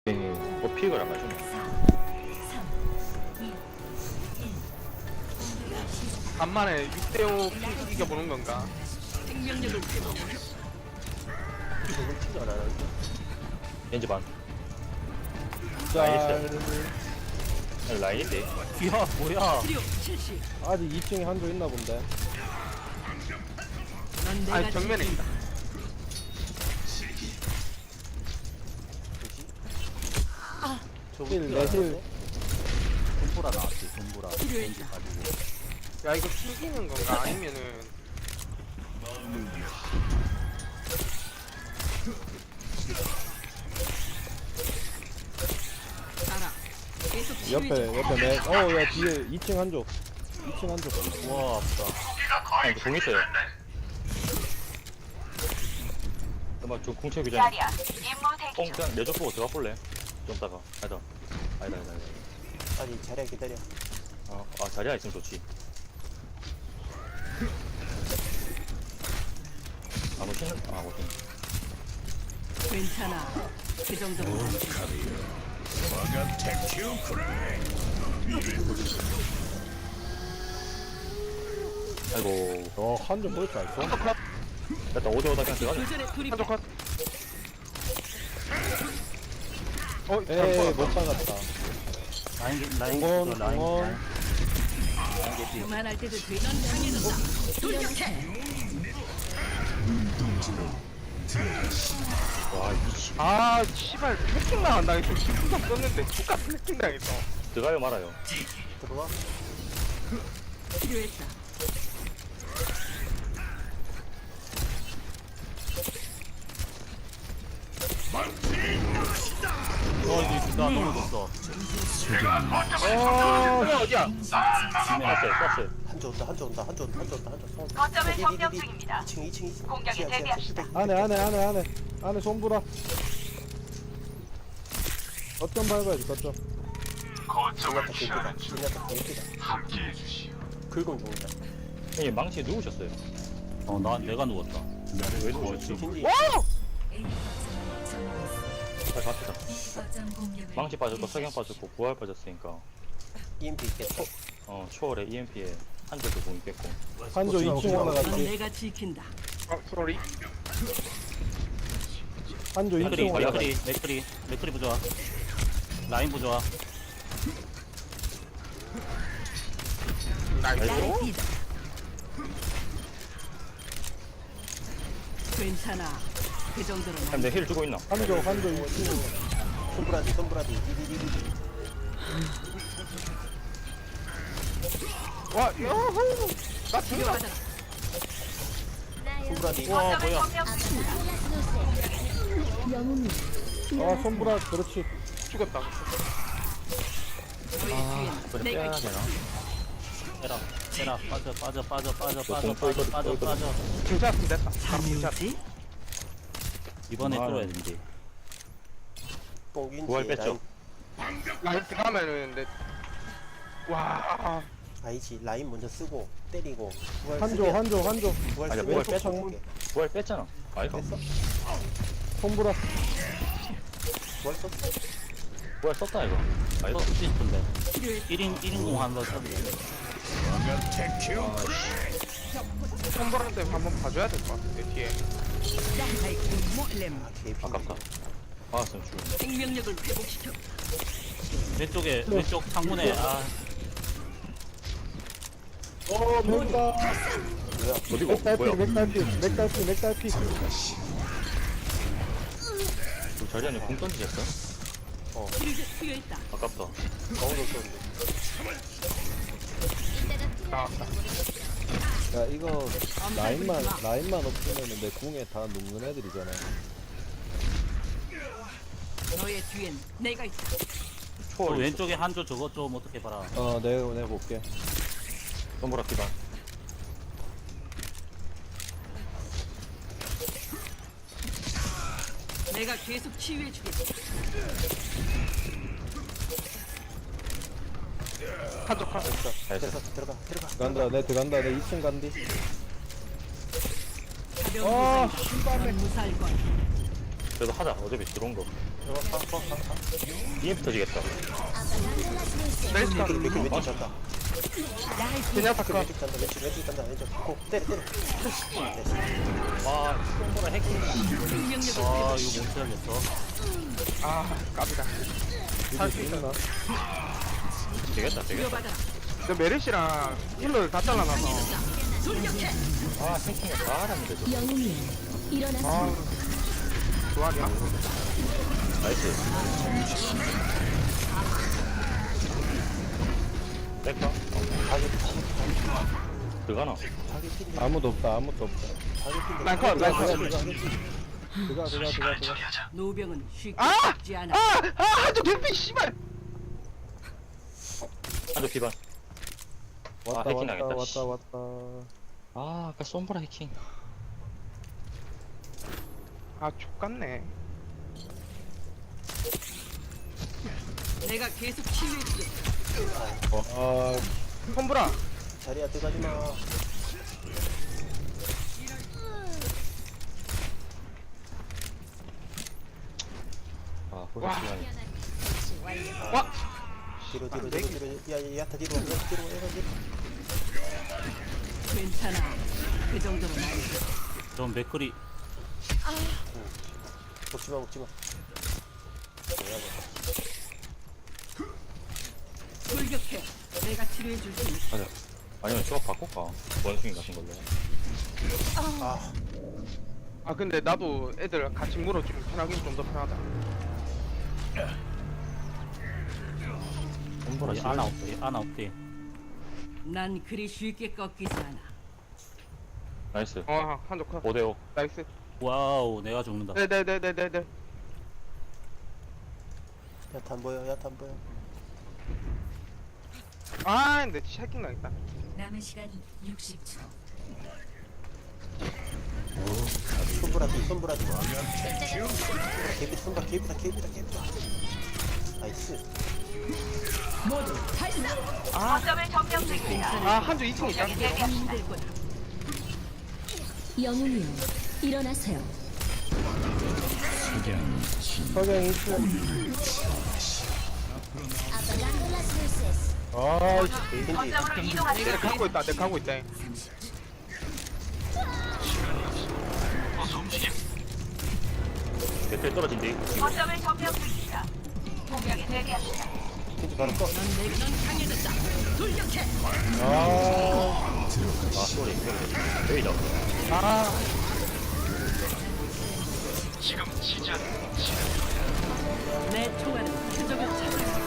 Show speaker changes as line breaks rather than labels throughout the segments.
뭐 픽을 안 가지고.
간만에 6대5 이겨보는 건가?
생명력을 회복.
이걸 진짜 알아요. 왠지 반.
짤.
라인인데.
야 뭐야?
치료 실시.
아직 2층에 한조 있나 본데.
넌 내가
아니 정면에 있다.
힐 내실.
돈보라 나왔지. 돈보라 렌즈
필요했다.
가지고
야 이거 튕기는 건가? 아니면은
가라. 계속
옆에
치유해줘.
야 뒤에 2층 한조. 2층 한조.
와 아프다.
아, 이거 공 있어요. 엄마 좀 공채 규정. 공 그냥 내줘 보고 들어가 볼래? 좀 따가. 아니다.
아니 자리야 기다려.
아 자리야 있으면 좋지. 못
괜찮아. 그 정도면 안 돼.
아이고.
한조 볼줄 알죠?
됐다. 오다 그냥 들어가자.
교전에 돌입.
한쪽 컷. 어?
에이
잘못
못 박았다.
라인
공원,
그 라인
공원.
라인 개피.
그만할 때도 돼. 넌 강해졌다. 돌격해.
와 미치.
아 씨발 해킹 나간다. 이거 기분도 썼는데 똑같은 해킹 당했어.
들어가요 말아요.
들어와.
필요했다.
나 넘어졌어.
어디야?
쐈어요.
한조 온다.
거점을 점령 중입니다.
2층.
공격에 대비합시다.
안에 손보라. 거점 밟아야지 거점.
진야타 개피다. 긁어 죽는다.
형님 망치 누우셨어요.
내가 누웠다.
왜 누우셨지?
겐지.
잘 갑시다. 망치 빠졌고 석양 빠졌고 부활 빠졌으니까
EMP 있겠다.
초월에 EMP에 한 대도 공 있겠고.
한조 2층
넌
올라갔지.
내가 지킨다.
소리.
한조 2층 올라갔지.
맥크리 부좋아. 라인 부좋아.
나의 비다. 괜찮아. 그 정도는 안
근데 힐 주고 있나?
한조 2층.
손브라디.
와 요호. 나 죽여.
필요하다.
손브라디.
와
거점을
뭐야?
점령 중입니다.
아 손보라 그렇지.
죽었다.
너의 뒤엔 내가 있다.
에라 빠져.
괜찮았으면 됐다.
잠이오지?
이번에
아,
뚫어야 된지.
뽕균지.
부활 뺐죠?
라인 들어가면은 내. 와.
아니지 라인 먼저 쓰고 때리고. 부활
한조
쓰게.
한조.
부활
아니야,
쓰게.
부활
왼쪽
뺐어.
창문.
부활 뺐잖아. 아이가.
뺐어?
손보라.
부활 썼어?
부활 썼다 이거. 아이가.
쓰고 싶은데.
필요했다.
1인 공 한번 썼는데.
선보한테 한번 봐줘야 될 것 같은데 뒤에.
몰렘.
개피.
아깝다. 막았으면 죽었네.
생명력을 회복시켜.
왼쪽 창문에
맥다.
어디고?
맥달피.
그 자리 안에 공 던지셨어?
치료제 필요했다.
아깝다.
가운데 썼는데.
나왔다.
야 이거 라인만 없으면 내 궁에 다 녹는 애들이잖아.
너의 뒤엔 내가 있다.
초월
왼쪽에 한조 저거 좀 어떻게 봐라.
내가 볼게.
선보라 기반.
내가 계속 치유해주겠다.
한쪽 컷.
잘했어.
들어가.
간다 내 2층 간디.
가벼운 무사이다. 넌 무사할 거야.
그래도 하자. 어차피 들어온 거. EMP 터지겠다.
멜시 가.
맥클 왼쪽 잔다.
그냥 다
맥클
가.
왼쪽 잔다. 왼쪽 잔다. 왼쪽. 고 때려. 됐어.
와, 솜보라 해킹.
생명력을
아 이거 못 살겠어.
아, 깝이다. 살수 있어.
되겠다.
부여받아라.
저 메르시랑 힐러를 다 잘라놔서.
돌격해.
아, 해킹을 다 하는데, 저.
영웅이여 일어나세요.
아, 좋아하냐?
나이스. 백파? 들어가나?
자기 필이
아무도 없다 아무도 없다.
자기 필이
난
들어가
컷.
들어가.
노병은 쉽게
아!
죽지 않아.
한쪽 대피, 씨발!
한쪽 기반.
왔다
해킹
왔다
당했다, 씨.
왔다.
아, 아까 솜보라 해킹.
아, 족같네.
내가 계속 치유해주겠어.
아
콤브라.
자리야 들어가지 마.
아, 벌써 시간이.
와!
뒤로. 야, 야타 뒤로. 뒤로.
괜찮아. 그 정도는 아니지.
좀 맥거리
먹지 마.
돌격해. 내가 치료해줄 수 있어.
맞아. 아니면 조합 바꿀까? 원숭이 같은 걸로.
아, 근데 나도 애들 같이 물어주면 편하긴 좀 더 편하다.
솜보라
이 아나 없대 아나 없대.
난 그리 쉽게 꺾이지 않아.
나이스.
한쪽 컷.
5대5.
나이스.
와우 내가 죽는다.
네네네네네.
야타 안 보여.
아, 근데 샤킹 당했다.
남은 시간 60초.
손보라 뒤. 개비다. 나이스.
거점을 점령 중입니다.
아, 한쪽 2층 있다.
힘들 거다.
영웅이여 일어나세요.
석양 있어. 아
거점으로 이동하세요.
내가 가고 있다.
몇대 떨어진대.
거점을 점령 중입니다. 공격에 대비합니다.
겐지 바로 꺼.
넌 강해졌다. 돌격해.
아,
아, 쏘리. 여기다.
아,
내 총알은 표적을 찾아.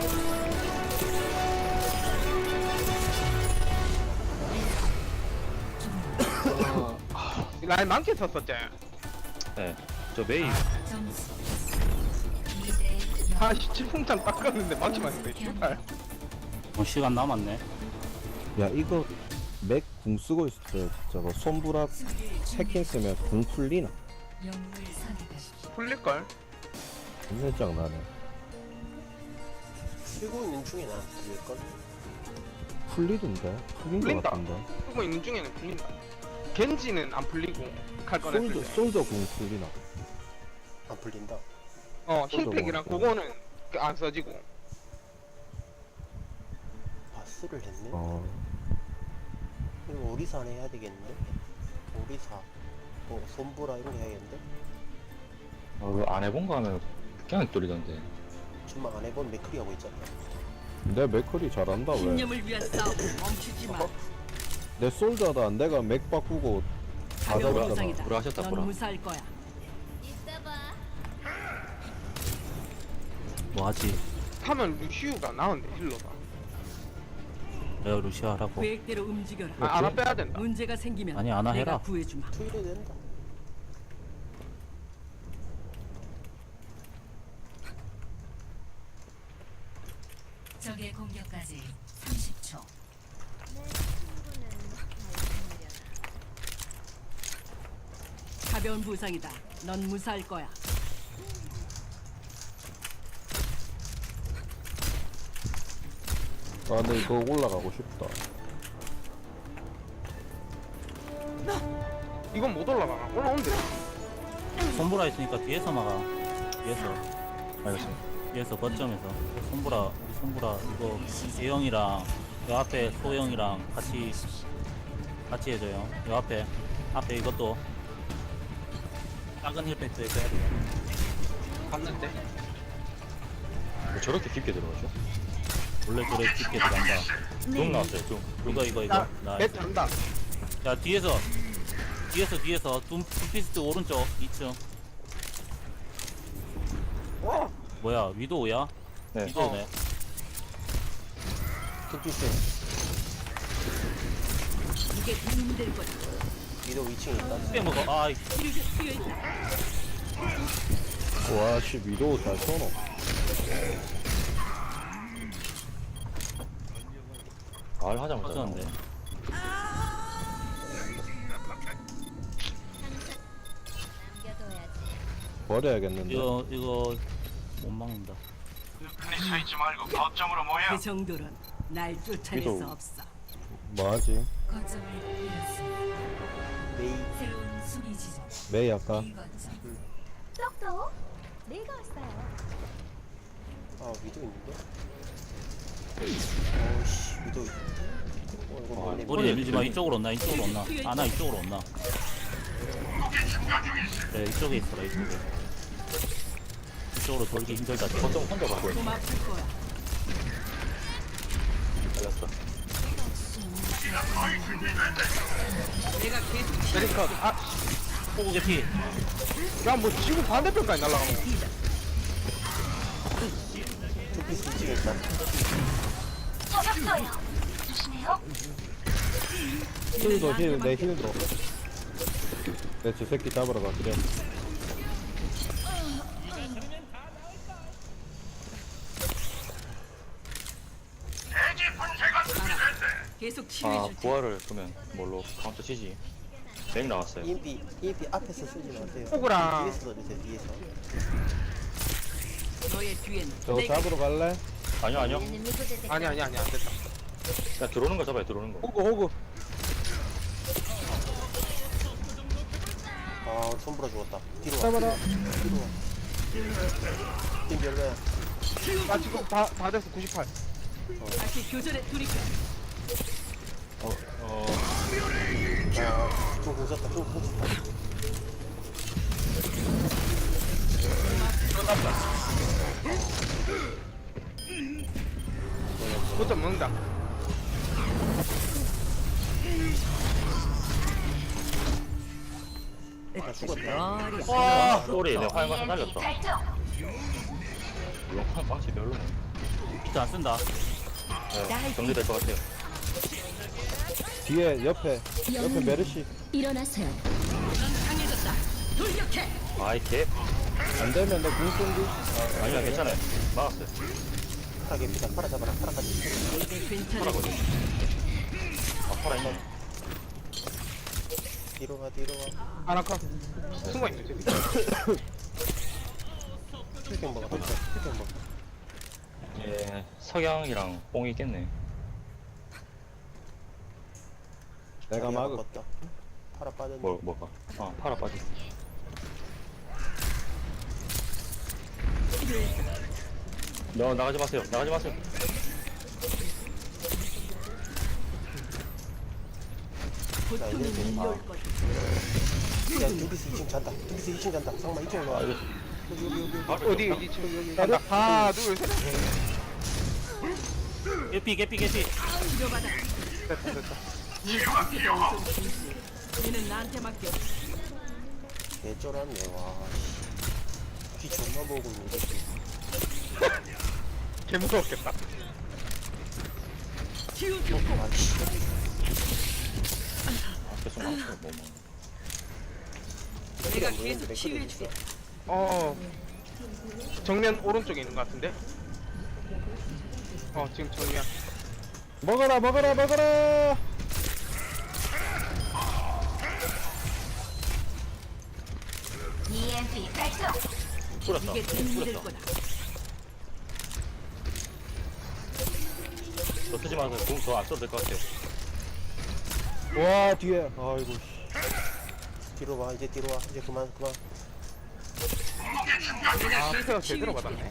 라인 많게 쳤었지.
네. 저 메이.
아, 질풍찬 닦았는데 많지만 했네. 씨발.
시간 남았네.
야 이거 맥 궁 쓰고 있을 때 저거 손브라 해킹 쓰면 궁 풀리나?
풀릴걸?
굉장히 나네.
쓰고 있는 중에 나 그럴걸?
풀리던데? 풀린 거
풀린다.
같은데?
쓰고 있는 중에는 풀린다. 겐지는 안 풀리고 칼 꺼냈을 때.
솔저 궁 풀리나?
안 풀린다.
힐팩이랑 그거는 안 써지고.
바스를 했네. 이거 오리사 안에 해야 되겠는데? 오리사 손보라 이런 거 해야겠는데?
안 해본 거 하면 그냥 뚫리던데.
정말 안 해본 맥크리 하고 있잖아.
내 맥커리 잘한다 왜?
신념을 위한 싸움 멈추지 마.
내 솔저다 내가 맥 바꾸고 다
가벼운
잡았잖아.
부상이다.
불화하셨다,
넌
불화.
무사할 거야.
뭐하지?
하면 루시우가 나은데 힐러가.
내가 루시아 하라고.
계획대로 움직여라.
알아 빼야 된다.
문제가 생기면
아니, 안
내가
해라.
구해주마.
투일해야 된다.
적의 공격까지 30초.
가벼운 부상이다. 넌 무사할 거야.
아 근데 이거 올라가고 싶다.
이건 못 올라가나? 올라온대.
손보라 있으니까 뒤에서 막아. 뒤에서.
알겠습니다.
뒤에서 거점에서 손보라 우리 손보라 이거 예영이랑 요 앞에 소영이랑 같이 해줘요. 요 앞에 이것도 작은 힐팩트에 빼야 돼요.
봤는데.
왜 저렇게 깊게 들어가죠?
원래 저래 깊게 들어간다.
좀 나왔어요, 좀.
이거
나,
나
내 잔다.
야 뒤에서 둠피스트 오른쪽 2층
와.
뭐야 위도우야?
네.
위도우네.
둠피스
이게 힘들 거다.
위도 2층에 있다.
빼먹어. 아
치료제 필요 있다.
와씨 위도우 잘 쏘노.
말 하자마자.
터졌는데.
버려야겠는데.
이거 못 막는다.
그 정도는 날 쫓아낼
위도우.
수 없어.
뭐하지?
메이
메이 아까
똑똑 내가 왔어요.
아 위도 있는데? 어우씨 위도 이거 뭐네.
머리 내밀지 마. 이쪽으로 온나. 아나 이쪽으로 온나. 그래 이쪽에 있어라 이쪽에. 이쪽으로 돌기 힘들다.
거점 혼자 받고 있어.
좀 아플 거야.
알렸어.
내가 계속
메리카. 아,
포구 개피.
야뭐 지구 반대편까지 날아가는 거.
둠피스 2층에 있다.
저격수예요. 조심해요.
힐도 힐내 힐도. 내 저 새끼 잡으러 가 그래.
계속
아,
치료해 줄게.
부활을 그러면 뭘로 카운터 치지? 맥 나왔어요.
EMP 앞에서 쓰지 마세요.
호구랑.
뒤에서 써주세요. 뒤에서.
너의 뒤엔
저거
내가
잡으러 갈래?
아니요.
아니 안 됐다.
야, 들어오는 거 잡아요, 들어오는 거.
호구.
아 손보라 죽었다. 뒤로 와.
잡아라.
뒤로 와. 팀 별로야.
나 지금 다 됐어 98.
다시 교전에 돌입해.
좀 공쳤다. 좀 공쳤다.
그것도 먹는다.
나 죽었다.
와, 소리, 내 화염 가서
EMP
날렸다.
발동.
물론 화염 방치 별로.
비트 안 쓴다.
네, 정리될 것 같아요.
뒤에 옆에 메르시.
일어나세요.
강해졌다. 돌격해.
아이, 개.
안 되면 내궁 쏜디.
아니야, 괜찮아요. 막았어요.
파라게 피자. 파라 잡아라. 파라까지.
이제 괜찮아.
아, 팔아 있나?
뒤로 가. 뒤로 가.
아나카. 숨어 있네 저기.
힐경 먹어. 힐경 먹어.
예, 석양이랑 뽕이 있겠네.
내가 막을.
바꿨다. 파라 빠졌네.
뭐가? 팔아 빠지. 너 나가지 마세요. 나가지 마세요.
고통이 밀려올 거다.
야 둠피스 2층 잔다. 둠피스 2층 잔다. 상마 2층 올라와.
아, 이거
어디 지금 간다. 하나 둘 셋.
개피.
치료받아.
됐다.
얘는 나한테 맡겨.
개쩔었네. 와. 귀 존나 보고 있는데.
개 무서웠겠다.
치유줘.
아이씨.
계속 막혀요, 뭐.
내가 계속 치유해 줄게.
정면 오른쪽에 있는 것 같은데. 지금 정면.
먹어라.
EMP 발동.
뿌렸다.
이게 힘들 거다.
저 쓰지 마세요. 공 더 안 써도 될 것 같아요.
와 뒤에. 아이고.
뒤로 와. 이제 뒤로 와. 이제 그만.
아 피세가 제대로 받았네.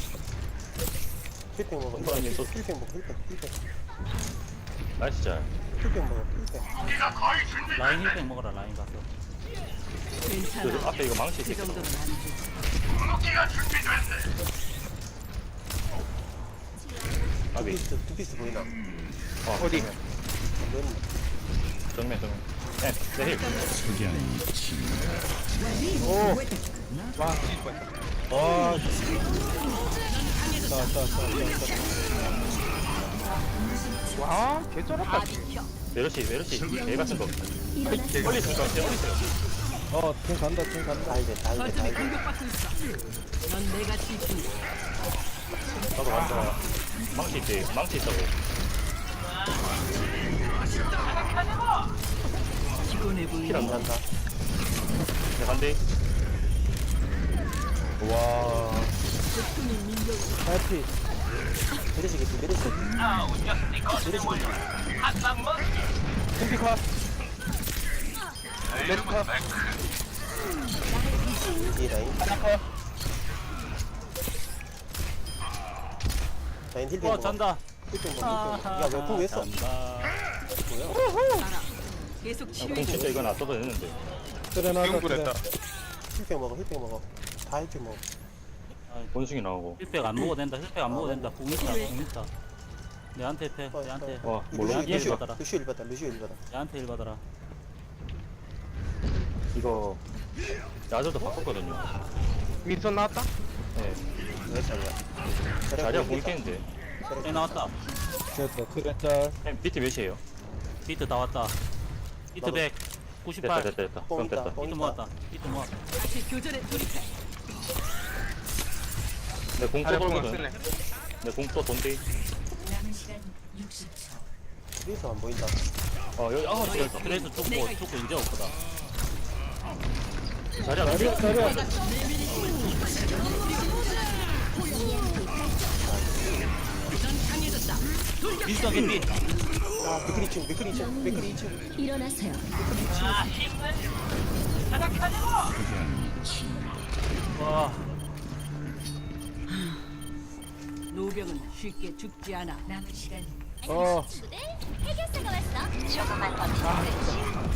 힐팩 먹어.
손보라님 또
힐팩 먹어. 힐팩.
나이스 잘.
힐팩 먹어. 힐팩.
라인 힐백 먹어라 라인 가서.
괜찮아.
그 앞에 이거 망치
그
있어.
정도는 안 돼.
아비.
두피스 보이나?
어디?
정면. 네, 내 힐.
와 뒤질 뻔했다.
와,
와 개쩔었다.
메르시 개 같은 거.
일어나세요.
빨리 있어요.
팀 간다.
다이베.
거점이 공격받고 있어. 넌 내가 지킨다.
나도 간다. 망치 있지. 망치 있다고.
피곤해 보이니?
힐안 간다.
내 간대.
와, 해피.
메르시겠지.
콤피카. 레스카.
뒤에 라인.
하나커.
라인 힐팩
와
먹어.
잔다.
힐팩 먹어. 야왜 그거 왜 써?
잔다.
알아. 계속
공
치유해
진짜 이건 안 써도 되는데.
그래 나가.
기용불했다.
힐팩 먹어. 다 힐팩 먹어.
본승이 나오고.
힐백 안 먹어도 된다. 힐백 안 먹어도 된다. 공 있다. 내한테 패. 내한테.
와, 몰라.
내한테 힐 받아라.
루시오 일 받아.
내한테 힐 받아라.
이거 야저도 바꿨거든요.
윈선 나왔다.
네.
왜 잘이야?
자리가 보이겠는데.
해 나왔다.
됐다. 그래 짤.
비트 몇이에요?
비트 다 왔다. 비트 100. 98.
됐다. 그럼 됐다.
비트 모았다. 비트 모았다.
다시 교전에 돌입해.
내공 또
자리 보면
돌거든.
쓰네.
내공또 돈대.
뒤에서 안 보인다.
여기 진짜
그래서 죽고 이제 없거다.
자리야.
미스터 개피.
아 맥크리 2층.
일어나세요.
와.
노병은 쉽게 죽지 않아.
친구들 해결사가 왔어.
조금만 버티면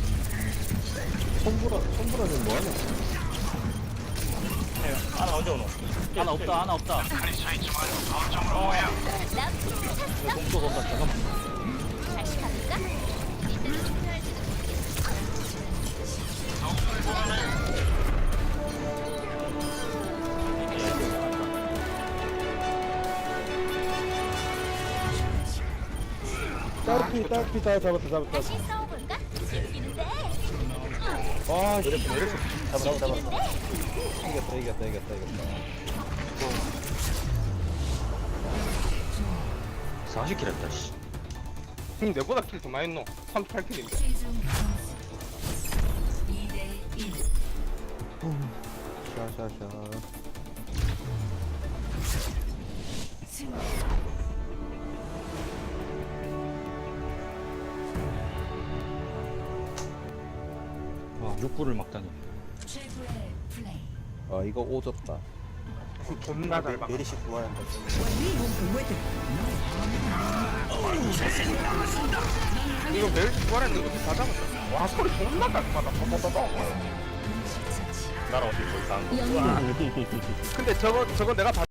손보라는 뭐하냐?
하나 언제 오노?
하나 없다.
공또 돈다. 잠깐만.
다시 가볼까? 이때는 중요할지도.
딸피 다 잡았다.
다시 싸워볼까? 재밌는데.
와, 씨.
잡아.
이겼다.
40킬 했다, 씨.
내보다 킬 더 많이 했노. 38킬인데.
샤샤샤.
와, 6불을 막다니.
아, 이거 오졌다.
존나 잘 막.
메르시 그만한다.
이거 매일 구하랬는 것도 다 잡았다. 와 소리 존나 깔끔하다.
나랑 어디 더 이상한 거.
영웅
근데 저거 내가